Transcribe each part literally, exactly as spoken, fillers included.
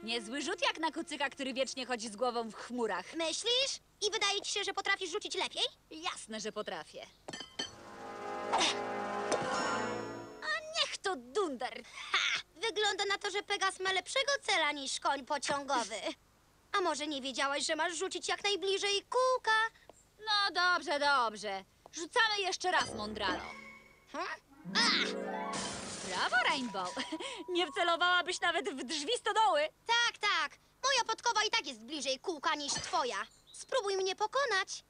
Niezły rzut jak na kucyka, który wiecznie chodzi z głową w chmurach. Myślisz? I wydaje ci się, że potrafisz rzucić lepiej? Jasne, że potrafię. A niech to dunder. Ha! Wygląda na to, że Pegas ma lepszego cela niż koń pociągowy. A może nie wiedziałaś, że masz rzucić jak najbliżej kółka? No dobrze, dobrze. Rzucamy jeszcze raz, Mondralo. Hm? Brawo, Rainbow. Nie wcelowałabyś nawet w drzwi stodoły. Tak, tak. Moja podkowa i tak jest bliżej kółka niż twoja. Spróbuj mnie pokonać.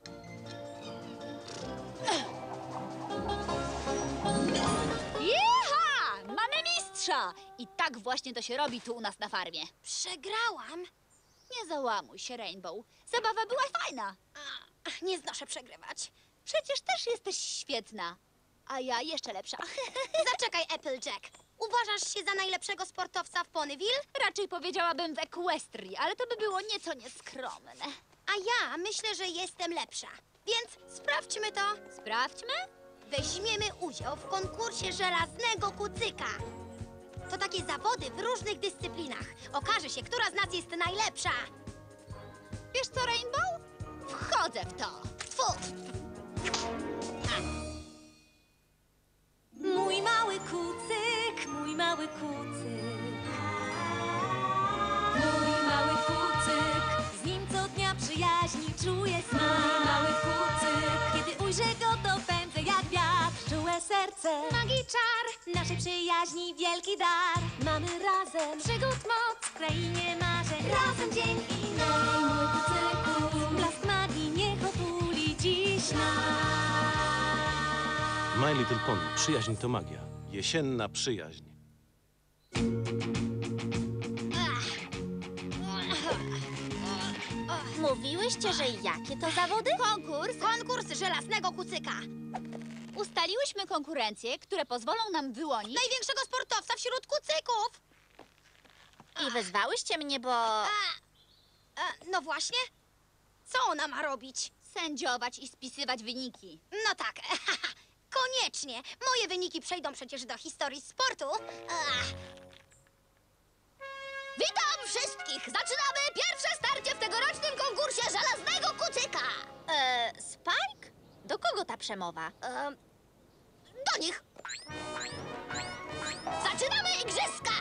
Jeha! Mamy mistrza! I tak właśnie to się robi tu u nas na farmie. Przegrałam. Nie załamuj się, Rainbow. Zabawa była fajna. A, nie znoszę przegrywać. Przecież też jesteś świetna. A ja jeszcze lepsza. Zaczekaj, Applejack. Uważasz się za najlepszego sportowca w Ponyville? Raczej powiedziałabym w Equestrii, ale to by było nieco nieskromne. A ja myślę, że jestem lepsza. Więc sprawdźmy to. Sprawdźmy. Weźmiemy udział w konkursie żelaznego kucyka. To takie zawody w różnych dyscyplinach. Okaże się, która z nas jest najlepsza. Wiesz co, Rainbow? Wchodzę w to. Tfu! Mój mały kucyk, mój mały kucyk. Mój mały kucyk, z nim co dnia przyjaźni czuję smak. Mój mały kucyk, kiedy ujrzę go, to pędzę jak wiatr. Czułe serce, magii czar, naszej przyjaźni wielki dar. Mamy razem przygód moc w krainie marzeń. Razem dzień i noc. Mój kucyku, blask magii niech otuli dziś nas. My Little Pony. Przyjaźń to magia. Jesienna przyjaźń. Mówiłyście, że jakie to zawody? Konkurs. Konkurs żelaznego kucyka. Ustaliłyśmy konkurencje, które pozwolą nam wyłonić... Największego sportowca wśród kucyków. I wezwałyście mnie, bo... A, a, no właśnie. Co ona ma robić? Sędziować i spisywać wyniki. No tak. Koniecznie. Moje wyniki przejdą przecież do historii sportu. Ach. Witam wszystkich! Zaczynamy pierwsze starcie w tegorocznym konkursie żelaznego kucyka! E, Spike? Do kogo ta przemowa? E, Do nich! Zaczynamy igrzyska!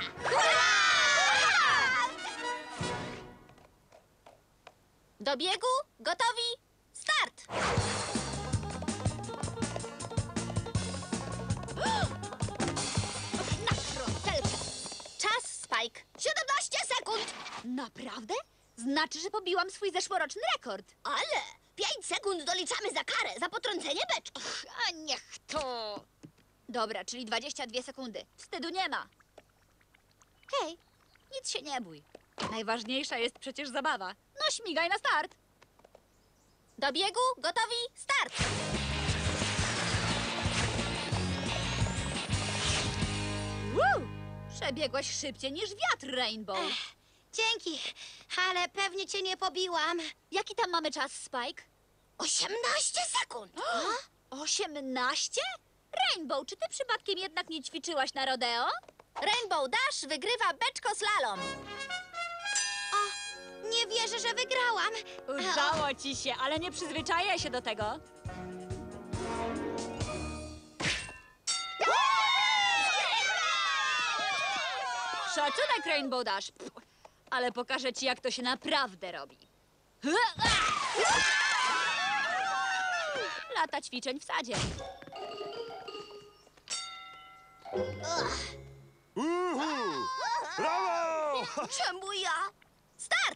Do biegu, gotowi, start! Na frontelkę! Czas, Spike. siedemnaście sekund! Naprawdę? Znaczy, że pobiłam swój zeszłoroczny rekord. Ale pięć sekund doliczamy za karę, za potrącenie beczki. A niech to... Dobra, czyli dwadzieścia dwie sekundy. Wstydu nie ma. Hej, nic się nie bój. Najważniejsza jest przecież zabawa. No śmigaj na start. Do biegu, gotowi, start! Woo! Przebiegłaś szybciej niż wiatr, Rainbow. dzięki, ale pewnie cię nie pobiłam. Jaki tam mamy czas, Spike? osiemnaście sekund. osiemnaście? Rainbow, czy ty przypadkiem jednak nie ćwiczyłaś na rodeo? Rainbow Dash wygrywa beczko slalom. Nie wierzę, że wygrałam. Udało ci się, ale nie przyzwyczajaj się do tego. Szacunek, Rainbow Dash. Pff, ale pokażę ci, jak to się naprawdę robi. Lata ćwiczeń w sadzie. Uhu! Brawo! Czemu ja? Start!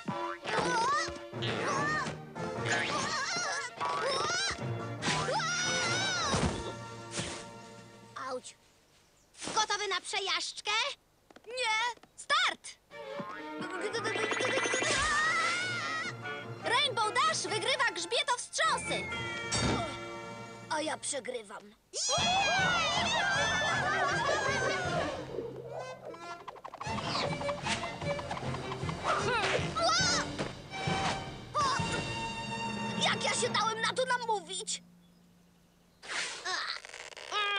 Auć. Gotowy na przejażdżkę? Nie! Start! Rainbow Dash wygrywa grzbietowstrząsy. A ja przegrywam. Jak ja się dałem na to namówić?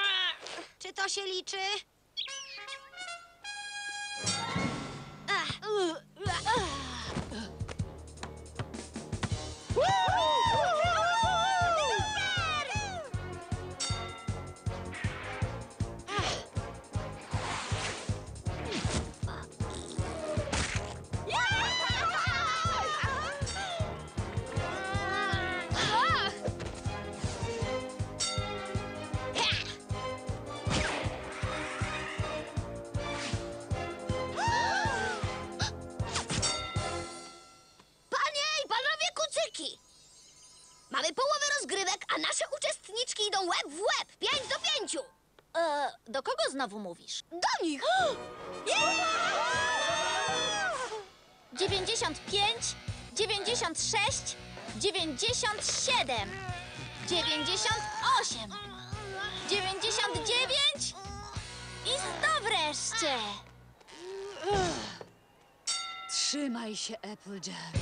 Czy to się liczy? Ach, Panie i panowie kucyki! Mamy połowę rozgrywek, a nasze uczestniczki idą łeb w łeb. Pięć do pięciu. E, do kogo znowu mówisz? Do nich! dziewięćdziesiąt pięć, dziewięćdziesiąt sześć, dziewięćdziesiąt siedem, dziewięćdziesiąt osiem, dziewięćdziesiąt dziewięć i sto wreszcie. Trzymaj się, Applejack.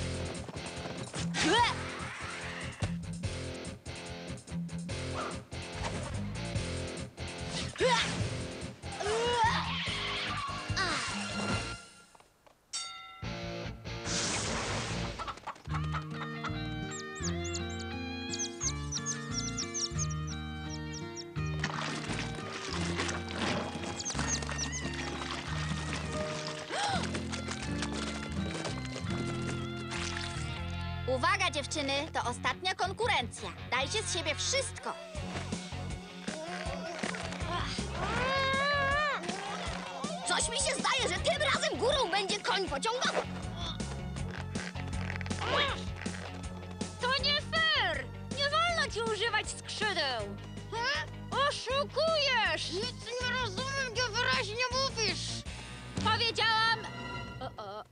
Uwaga, dziewczyny, to ostatnia konkurencja. Dajcie z siebie wszystko. Coś mi się zdaje, że tym razem górą będzie koń pociągowy. To nie fair! Nie wolno ci używać skrzydeł! Oszukujesz! Nic nie rozumiem, gdzie wyraźnie mówisz. Powiedziałam... O, o.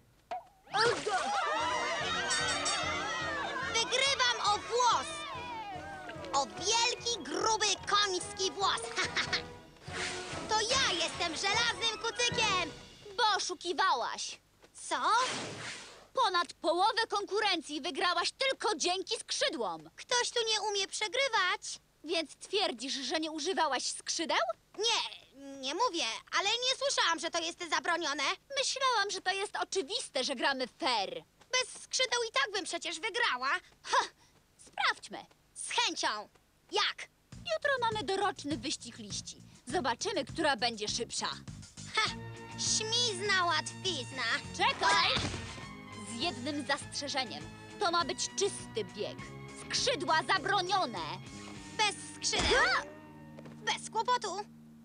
Wygrywam o włos. O wielki, gruby, koński włos. To ja jestem żelaznym kucykiem. Bo oszukiwałaś! Co? Ponad połowę konkurencji wygrałaś tylko dzięki skrzydłom! Ktoś tu nie umie przegrywać. Więc twierdzisz, że nie używałaś skrzydeł? Nie, nie mówię, ale nie słyszałam, że to jest zabronione. Myślałam, że to jest oczywiste, że gramy fair. Bez skrzydeł i tak bym przecież wygrała. Ha! Sprawdźmy. Z chęcią. Jak? Jutro mamy doroczny wyścig liści. Zobaczymy, która będzie szybsza. Ha! Śmizna łatwizna. Czekaj! Z jednym zastrzeżeniem. To ma być czysty bieg. Skrzydła zabronione. Bez skrzydeł. Bez kłopotu.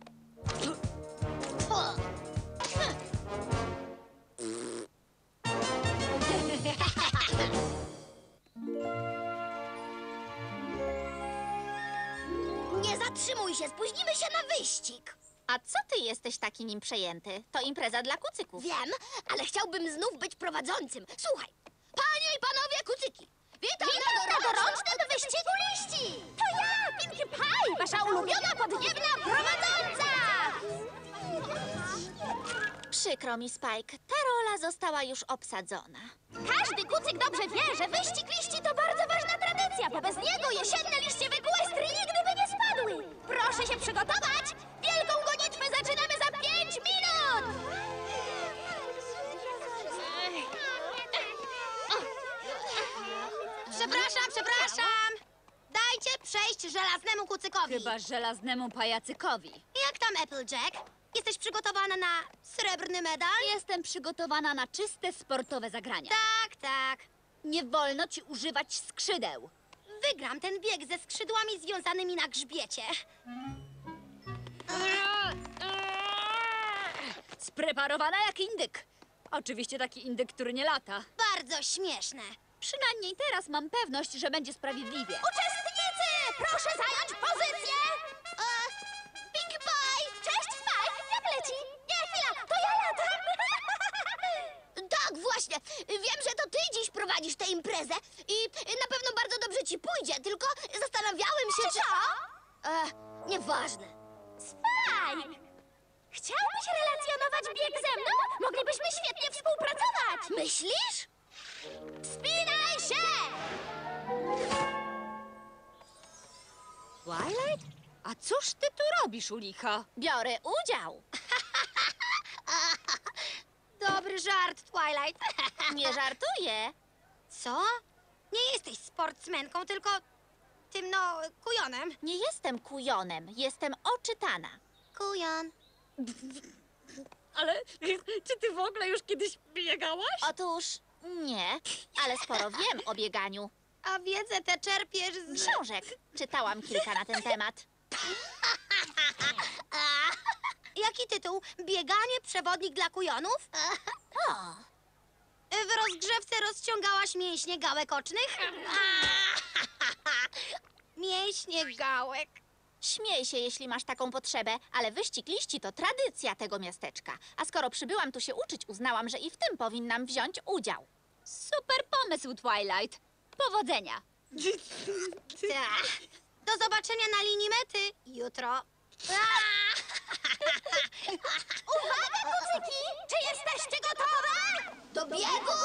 Nie zatrzymuj się, spóźnimy się na wyścig. A co ty jesteś taki nim przejęty? To impreza dla kucyków. Wiem, ale chciałbym znów być prowadzącym. Słuchaj, panie i panowie kucyki, witam, Witam na na dorocznym wyścigu liści. To ja, Pinkie Pie, wasza ulubiona Podniebna prowadząca! Przykro mi, Spike, ta rola została już obsadzona. Każdy kucyk dobrze wie, że wyścig liści to bardzo ważna tradycja, bo bez niego jesienne liście w Equestrii nigdy by nie spadły. Proszę się przygotować! Wielką gonitwę zaczynamy za pięć minut! Przepraszam, przepraszam! Dajcie przejść żelaznemu kucykowi. Chyba żelaznemu pajacykowi. Jak tam, Applejack? Jesteś przygotowana na srebrny medal? Jestem przygotowana na czyste sportowe zagrania. Tak, tak. Nie wolno ci używać skrzydeł. Wygram ten bieg ze skrzydłami związanymi na grzbiecie. Spreparowana jak indyk. Oczywiście taki indyk, który nie lata. Bardzo śmieszne. Przynajmniej teraz mam pewność, że będzie sprawiedliwie. Uczestnicy, proszę zająć pozycję! E, Pinkie Pie! Cześć, Spike! Jak leci? Nie, chwila, to ja latam! Tak, właśnie. Wiem, że to ty dziś prowadzisz tę imprezę i na pewno bardzo dobrze ci pójdzie, tylko zastanawiałem się, czy... Co? E, nieważne. Spike! Chciałbyś relacjonować bieg ze mną? Moglibyśmy świetnie współpracować! Myślisz? Wspinaj się! Twilight? A cóż ty tu robisz, u licha? Biorę udział. Dobry Dobry żart, Twilight. Nie żartuję. Co? Nie jesteś sportsmenką, tylko tym, no, kujonem. Nie jestem kujonem, jestem oczytana. Kujon. Ale czy ty w ogóle już kiedyś biegałaś? Otóż nie, ale sporo wiem o bieganiu. A wiedzę tę czerpiesz z... Książek. Czytałam kilka na ten temat. Jaki tytuł? Bieganie, przewodnik dla kujonów? O, W rozgrzewce rozciągałaś mięśnie gałek ocznych? Mięśnie gałek. śmiej się, jeśli masz taką potrzebę, ale wyścig liści to tradycja tego miasteczka. A skoro przybyłam tu się uczyć, uznałam, że i w tym powinnam wziąć udział. Super pomysł, Twilight. Powodzenia. Tak. Do zobaczenia na linii mety jutro. Uwaga, kucyki! Czy jesteście gotowe? Do biegu?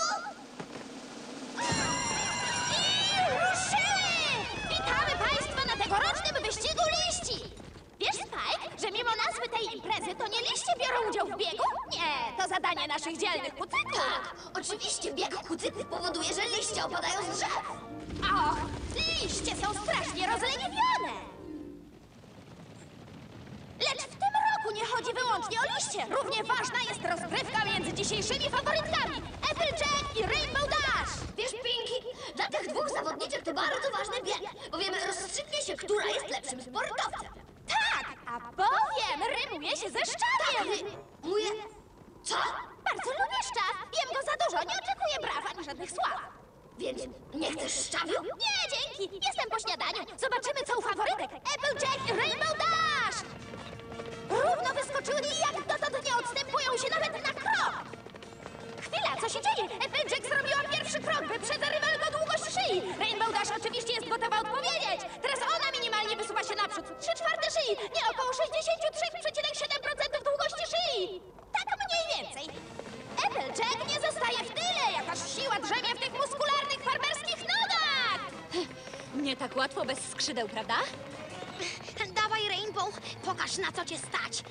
I ruszyły! Witamy Państwa na tegorocznym wyścigu liści! Wiesz, Spike, że mimo nazwy tej imprezy to nie liście biorą udział w biegu? Nie, to zadanie naszych dzielnych kucyków. Tak, oczywiście bieg kucyków powoduje, że liście opadają z drzew. Och, liście są strasznie rozleniwione! Lecz w tym roku nie chodzi wyłącznie o liście. Równie ważna jest rozgrywka między dzisiejszymi faworytkami Applejack i Rainbow Dash. Wiesz, Pinky, dla tych dwóch zawodniczek to bardzo ważny bieg, bowiem rozstrzygnie się, która jest lepszym sportowcem. Tak, a bowiem rymuje się ze szczawiem. Mówię... Co? Bardzo lubię szczaw. Jem go za dużo, nie oczekuję braw ani żadnych sław. Więc nie chcesz szczawiu? Nie, dzięki. Jestem po śniadaniu. Zobaczymy, co u faworytek Applejack i Rainbow Dash. Równo wyskoczyły i jak dotąd nie odstępują się nawet na krok. Chwila, co się dzieje? Applejack zrobiła pierwszy krok, wyprzedza rywalkę długość szyi. Rainbow Dash oczywiście jest gotowa odpowiedzieć. Teraz ona minimalnie wysuwa się naprzód. Trzy czwarte szyi, nie około sześćdziesiąt trzy przecinek siedem procent długości szyi. Tak mniej więcej. Applejack nie zostaje w tyle, jakaż siła drzemie w tych muskularnych farmerskich nogach. Nie tak łatwo bez skrzydeł, prawda? Dawaj, Rainbow, pokaż, na co cię stać.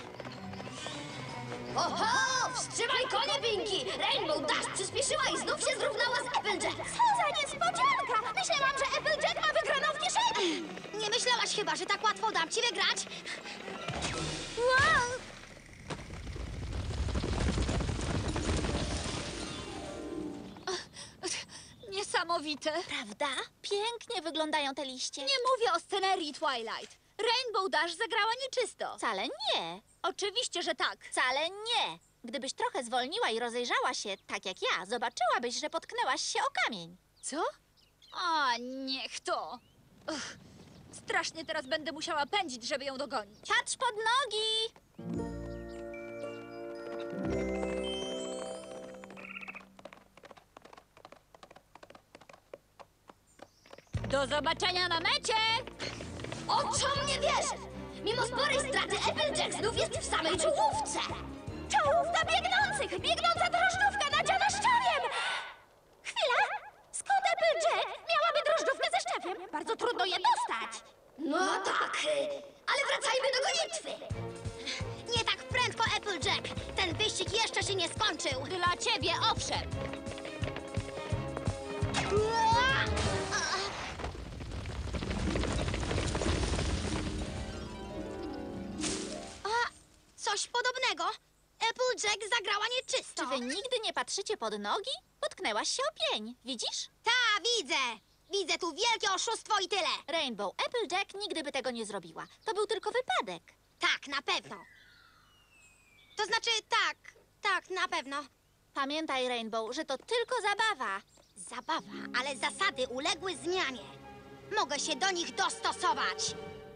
Oho! Wstrzymaj konie, Pinky! Rainbow Dash przyspieszyła i znów się zrównała z Applejack. Co za niespodzianka! Myślałam, że Applejack ma wygraną w kieszeni. Nie myślałaś chyba, że tak łatwo dam ci wygrać? Wow! Niesamowite. Prawda? Pięknie wyglądają te liście. Nie mówię o scenerii, Twilight. Rainbow Dash zagrała nieczysto. Wcale nie. Oczywiście, że tak. Wcale nie. Gdybyś trochę zwolniła i rozejrzała się, tak jak ja, zobaczyłabyś, że potknęłaś się o kamień. Co? A, niech to. Uch, strasznie teraz będę musiała pędzić, żeby ją dogonić. Patrz pod nogi! Do zobaczenia na mecie! Oczom nie wierzę! Mimo sporej straty Applejack znów jest w samej czołówce. Czołówka biegnących! Biegnąca drożdżówka nadziana szczawiem! Chwila! Skąd Applejack miałaby drożdżówkę ze szczawiem? Bardzo trudno je dostać. No tak, y, ale wracajmy do gonitwy. Nie tak prędko, Applejack. Ten wyścig jeszcze się nie skończył. Dla ciebie, owszem. A, coś podobnego. Applejack zagrała nieczysto. Czy wy nigdy nie patrzycie pod nogi? Potknęłaś się o pień, widzisz? Ta, widzę. Widzę tu wielkie oszustwo i tyle. Rainbow Applejack nigdy by tego nie zrobiła. To był tylko wypadek. Tak, na pewno. To znaczy, tak, tak, na pewno. Pamiętaj, Rainbow, że to tylko zabawa. Zabawa, ale zasady uległy zmianie. Mogę się do nich dostosować.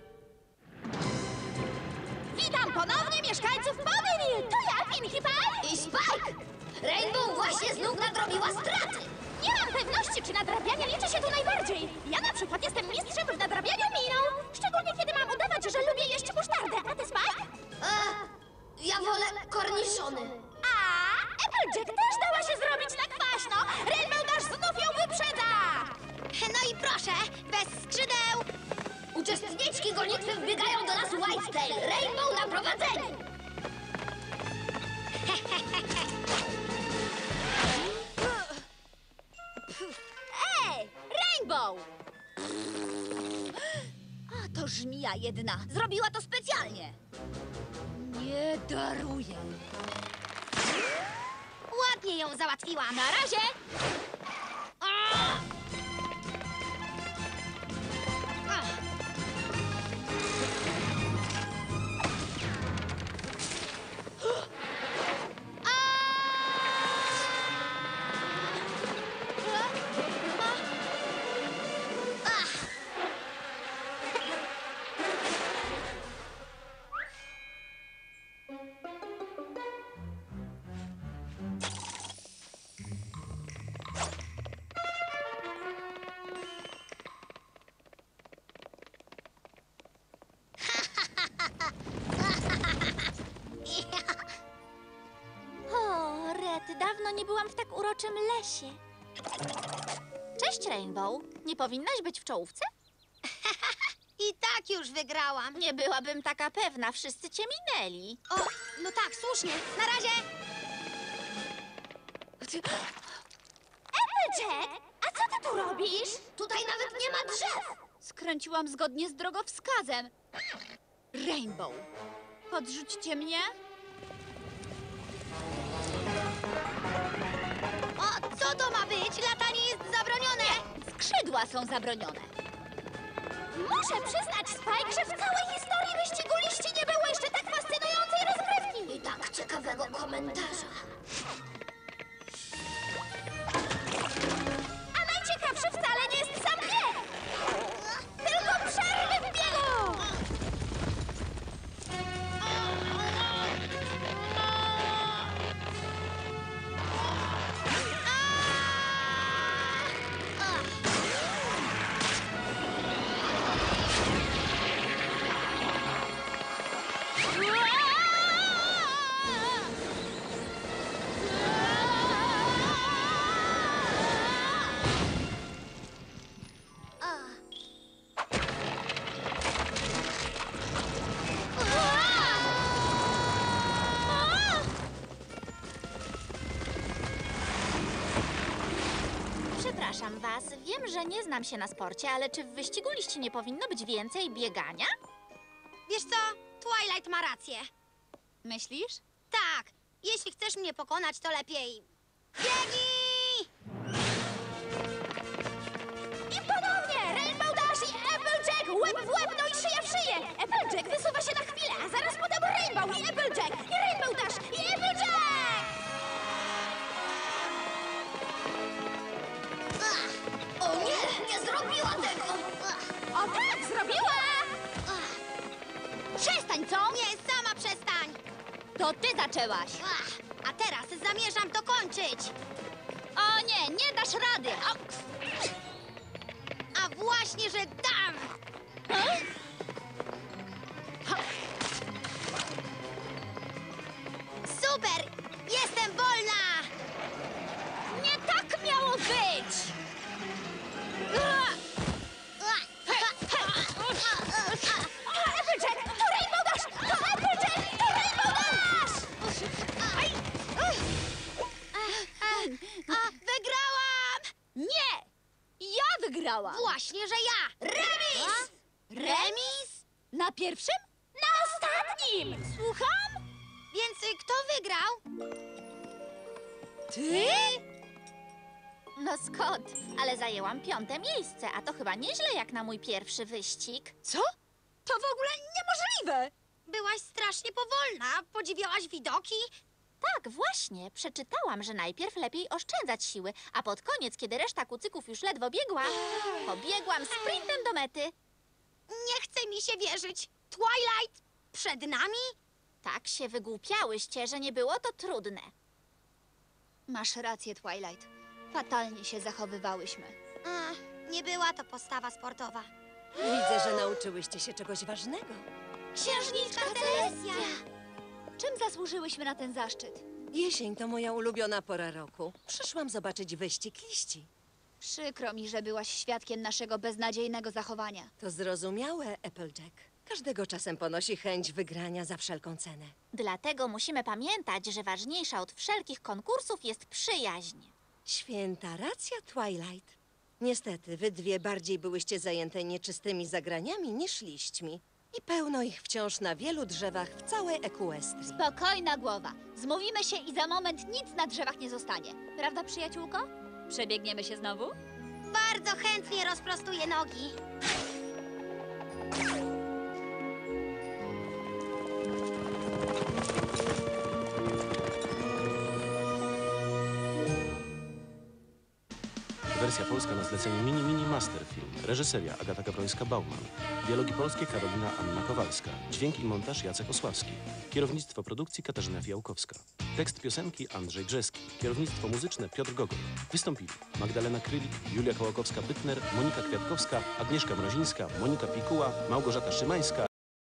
Witam ponownie mieszkańców Ponyville! To ja, Pinkie Pie! I Spike! Rainbow właśnie znów nadrobiła straty. Nie mam pewności, czy nadrabianie liczy się tu najbardziej. Ja na przykład jestem mistrzem w nadrabianiu miną. Szczególnie, kiedy mam udawać, że lubię jeść musztardę. A ty, Spike? E, ja wolę korniszony. A, Applejack też dała się zrobić na kwaśno. Rainbow Dash znów ją wyprzedza! No i proszę, bez skrzydeł. Uczestniczki gonitwy wbiegają do lasu Whitetail. Rainbow na prowadzeniu. Świnia jedna! Zrobiła to specjalnie! Nie daruję! Ładnie ją załatwiłam. Na razie! Ach. O, Red, dawno nie byłam w tak uroczym lesie. Cześć, Rainbow. Nie powinnaś być w czołówce? I tak już wygrałam. Nie byłabym taka pewna, wszyscy cię minęli. O, no tak, słusznie. Na razie. Applejack, a co ty tu robisz? Tutaj nawet nie ma drzew. Skręciłam zgodnie z drogowskazem. Rainbow, podrzućcie mnie? O, co to ma być? Latanie jest zabronione. Skrzydła są zabronione. Muszę przyznać, Spike, że w całej historii wyścigu liści nie było jeszcze tak fascynującej rozgrywki. I tak ciekawego komentarza. A najciekawszy wcale nie jest sam bieg, tylko przerwy w biegu. Przepraszam was, wiem, że nie znam się na sporcie, ale czy w wyścigu liści nie powinno być więcej biegania? Wiesz co? Twilight ma rację. Myślisz? Tak, jeśli chcesz mnie pokonać, to lepiej... Biegnij! I ponownie! Rainbow Dash i Applejack! Łeb w łeb, no i szyja w szyję! Applejack wysuwa się na chwilę, a zaraz potem Rainbow i Applejack! I Rainbow Dash i Applejack! O nie, nie zrobiła tego! O tak, zrobiła! Przestań, co? Nie, sama przestań! To ty zaczęłaś. Ach, a teraz zamierzam to kończyć! O nie, nie dasz rady. O, A właśnie, że dam! Super! Jestem wolna! nie tak miało być. Applejack, to Rainbow Dash! To Applejack, to Rainbow Dash! A, wygrałam! Nie, ja wygrałam. Właśnie, że ja! Remis! Remis? Na pierwszym? Na ostatnim! Słucham? Więc y, kto wygrał? Ty? No skąd? Ale zajęłam piąte miejsce, a to chyba nieźle jak na mój pierwszy wyścig. Co? To w ogóle niemożliwe. Byłaś strasznie powolna. Podziwiałaś widoki? Tak, właśnie. Przeczytałam, że najpierw lepiej oszczędzać siły, a pod koniec, kiedy reszta kucyków już ledwo biegła, pobiegłam sprintem do mety. Nie chce mi się wierzyć. Twilight przed nami? Tak się wygłupiałyście, że nie było to trudne. Masz rację, Twilight. Fatalnie się zachowywałyśmy. Ach, nie była to postawa sportowa. Widzę, że nauczyłyście się czegoś ważnego. Księżniczka Celestia! Czym zasłużyłyśmy na ten zaszczyt? Jesień to moja ulubiona pora roku. Przyszłam zobaczyć wyścig liści. Przykro mi, że byłaś świadkiem naszego beznadziejnego zachowania. To zrozumiałe, Applejack. Każdego czasem ponosi chęć wygrania za wszelką cenę. Dlatego musimy pamiętać, że ważniejsza od wszelkich konkursów jest przyjaźń. Święta racja, Twilight. Niestety, wy dwie bardziej byłyście zajęte nieczystymi zagraniami niż liśćmi. I pełno ich wciąż na wielu drzewach w całej Equestrii. Spokojna głowa. Zmówimy się i za moment nic na drzewach nie zostanie. Prawda, przyjaciółko? Przebiegniemy się znowu? Bardzo chętnie rozprostuję nogi. Wersja polska na zlecenie Mini Mini Master Film. Reżyseria Agata Gawrońska-Bauman. Dialogi polskie Karolina Anna Kowalska. Dźwięk i montaż Jacek Osławski. Kierownictwo produkcji Katarzyna Fiałkowska. Tekst piosenki Andrzej Brzeski. Kierownictwo muzyczne Piotr Gogol. Wystąpili Magdalena Krylik, Julia Kołakowska-Bytner, Monika Kwiatkowska, Agnieszka Mrozińska, Monika Pikuła, Małgorzata Szymańska